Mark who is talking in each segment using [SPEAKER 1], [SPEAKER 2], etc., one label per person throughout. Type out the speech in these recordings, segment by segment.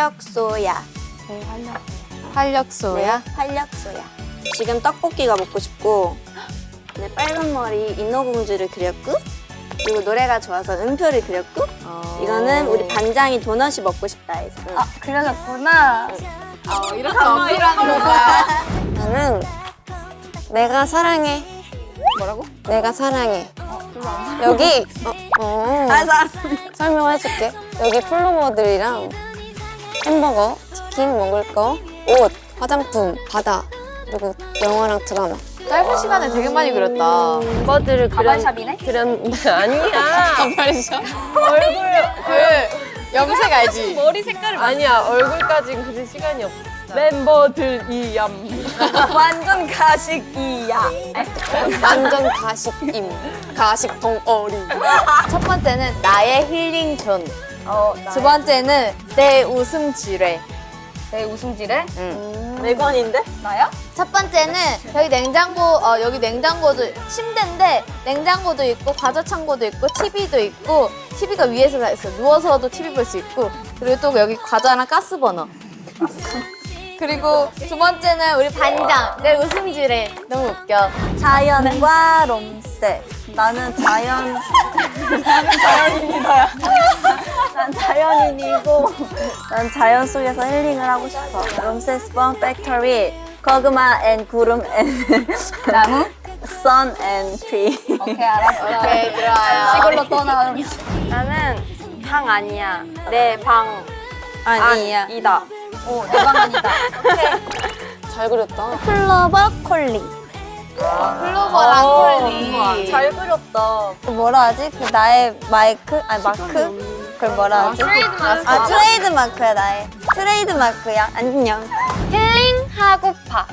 [SPEAKER 1] 활력소야.
[SPEAKER 2] 활력소야?
[SPEAKER 1] 네, 활력소야. 지금 떡볶이가 먹고 싶고, 네, 빨간 머리 인어공주를 그렸고, 그리고 노래가 좋아서 음표를 그렸고, 이거는 우리 반장이 도넛이 먹고 싶다 해서.
[SPEAKER 3] 아, 그려졌구나.
[SPEAKER 2] 이렇게 어필하는 거야.
[SPEAKER 1] 나는 내가 사랑해.
[SPEAKER 2] 뭐라고?
[SPEAKER 1] 내가 사랑해. 여기 알았어. 설명해줄게. 여기 플로버들이랑 햄버거, 치킨 먹을 거, 옷, 화장품, 바다, 그리고 영화랑 드라마.
[SPEAKER 2] 짧은 시간에 되게 많이 그렸다.
[SPEAKER 1] 이거들을
[SPEAKER 3] 가발샵이네?
[SPEAKER 4] 아니야.
[SPEAKER 2] 반팔이죠?
[SPEAKER 4] 얼굴
[SPEAKER 2] 그 염색 알지?
[SPEAKER 4] 머리 색깔을 아니야. 얼굴까지는 그릴 시간이 없어. 멤버들 이얌.
[SPEAKER 3] 완전 가식이야.
[SPEAKER 1] 완전 가식임. 가식 덩어리.
[SPEAKER 2] 첫 번째는 나의 힐링 존. 두 번째는 내 웃음 지뢰.
[SPEAKER 3] 내 웃음질에?
[SPEAKER 4] 네 번인데?
[SPEAKER 3] 나야?
[SPEAKER 2] 첫 번째는 여기 냉장고도 침대인데 냉장고도 있고 과자 창고도 있고 TV도 있고 TV가 위에서 다 있어. 누워서도 TV 볼 수 있고 그리고 또 여기 과자랑 가스 버너. 그리고 두 번째는 우리 반장 내 웃음 지뢰. 너무 웃겨.
[SPEAKER 1] 자연과 롬세. 나는 자연인이다. 난 자연인이고, 난 자연 속에서 힐링을 하고 싶어. 롬세 스펀 팩토리, 거그마 앤 구름 앤
[SPEAKER 3] 나무?
[SPEAKER 1] sun and tree.
[SPEAKER 3] 오케이, 알았어.
[SPEAKER 2] 오케이, 들어와요.
[SPEAKER 3] 시골로 떠나는.
[SPEAKER 4] 나는 방 아니야. 내 방
[SPEAKER 1] 아니야.
[SPEAKER 4] 이다.
[SPEAKER 3] 오, 내 방안이다.
[SPEAKER 1] 잘 그렸다.
[SPEAKER 3] 플로버 콜리.
[SPEAKER 2] 클로버랑 콜리.
[SPEAKER 4] 잘 그렸다.
[SPEAKER 1] 뭐라 하지? 그 나의 마이크? 아니 마크? 그걸 뭐라 하지? 아 트레이드 마크야 나의. 트레이드 마크야. 안녕.
[SPEAKER 3] 힐링하고파.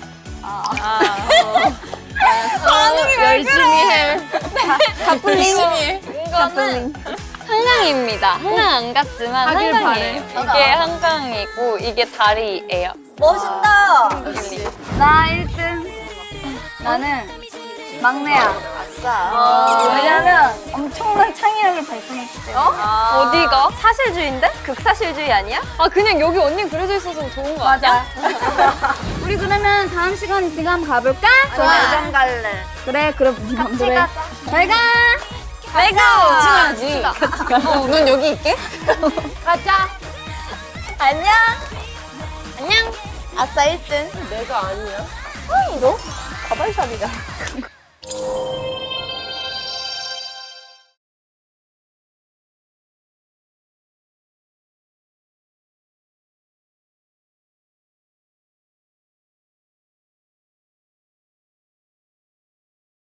[SPEAKER 4] 열심히 해.
[SPEAKER 1] 가플링.
[SPEAKER 3] 이거는 한강입니다. 한강 안 갔지만
[SPEAKER 4] 하길
[SPEAKER 3] 한강이에요. 이게 한강이고 이게 다리예요.
[SPEAKER 1] 멋있다.
[SPEAKER 3] 나 1등. 나는 막내야. 왜냐면 엄청난 창의력을 발산했기 때문에.
[SPEAKER 4] 어디가? 사실주의인데? 극사실주의 아니야? 아 그냥 여기 언니 그려져 있어서 좋은 거 아니야?
[SPEAKER 3] 우리 그러면 다음 시간 지금 한번 가볼까?
[SPEAKER 1] 완전 갈래.
[SPEAKER 3] 그래, 그럼 같이 가자. 잘 가.
[SPEAKER 1] 친하지. 넌 여기 있게?
[SPEAKER 3] 가자.
[SPEAKER 1] 안녕.
[SPEAKER 2] 안녕. 아싸 1등.
[SPEAKER 4] 내가 아니야.
[SPEAKER 1] 너 가발샵이잖아.